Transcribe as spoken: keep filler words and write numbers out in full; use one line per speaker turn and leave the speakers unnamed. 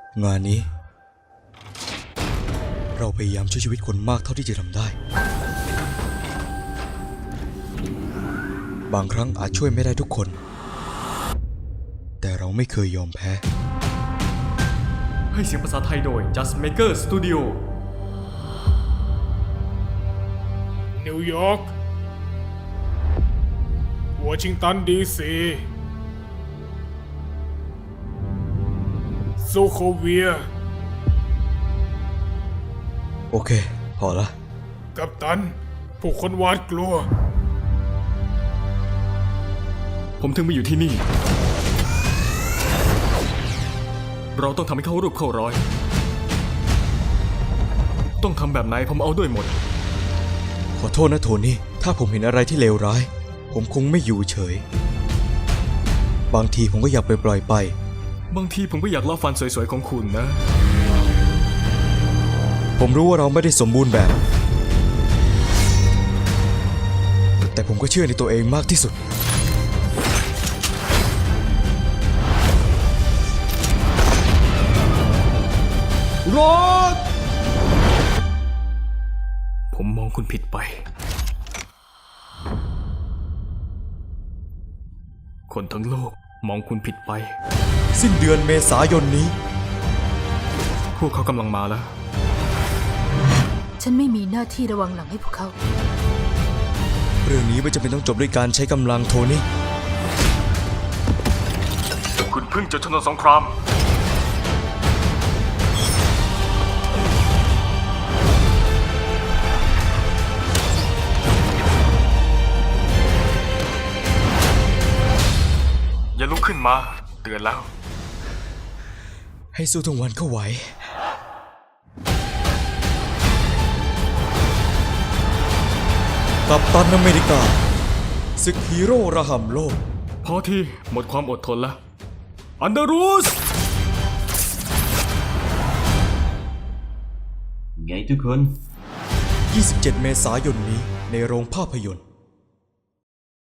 งานนี้เราพยายามช่วยชีวิตคนมากเท่าที่จะทำได้บางครั้งอาจช่วยไม่ได้ทุกคนแต่เราไม่เคยยอมแพ้
ให้เสียงภาษาไทยโดย Just Maker Studio
นิวยอร์กวอชิงตันดีซีโซโคเวีย
โอเคพอละ
กัปตันผู้คนหวาดกลัว
ผมถึงมาอยู่ที่นี่เราต้องทำให้เขารูปเข้ารอยต้องทำแบบไหนผมเอาด้วยหมด
ขอโทษนะโทนี่ถ้าผมเห็นอะไรที่เลวร้ายผมคงไม่อยู่เฉยบางทีผมก็อยากไปปล่อยไป
บางทีผมก็อยากลอบฟันสวยๆของคุณนะ
ผมรู้ว่าเราไม่ได้สมบูรณ์แบบแต่ผมก็เชื่อในตัวเองมากที่สุด
รถผมมองคุณผิดไปคนทั้งโลกมองคุณผิดไป
สิ้นเดือนเมษายนนี้
พวกเขากำลังมาแล้ว
ฉันไม่มีหน้าที่ระวังหลังให้พวกเขา
เรื่องนี้ไม่จำเป็นต้องจบด้วยการใช้กำลังโทนี่
คุณเพิ่งจะชนะสงครามอย่าลุกขึ้นมาเตือนแล้ว
ให้สู้ทั้งวันเข้าไหวกัปตันอเมริกาศึกฮีโร่ระห่ำโลก
พอที่หมดความอดทนแล้วอันเดอรูส
ไงทุกคน
ยี่สิบเจ็ดเมษายนนี้ในโรงภาพยนตร์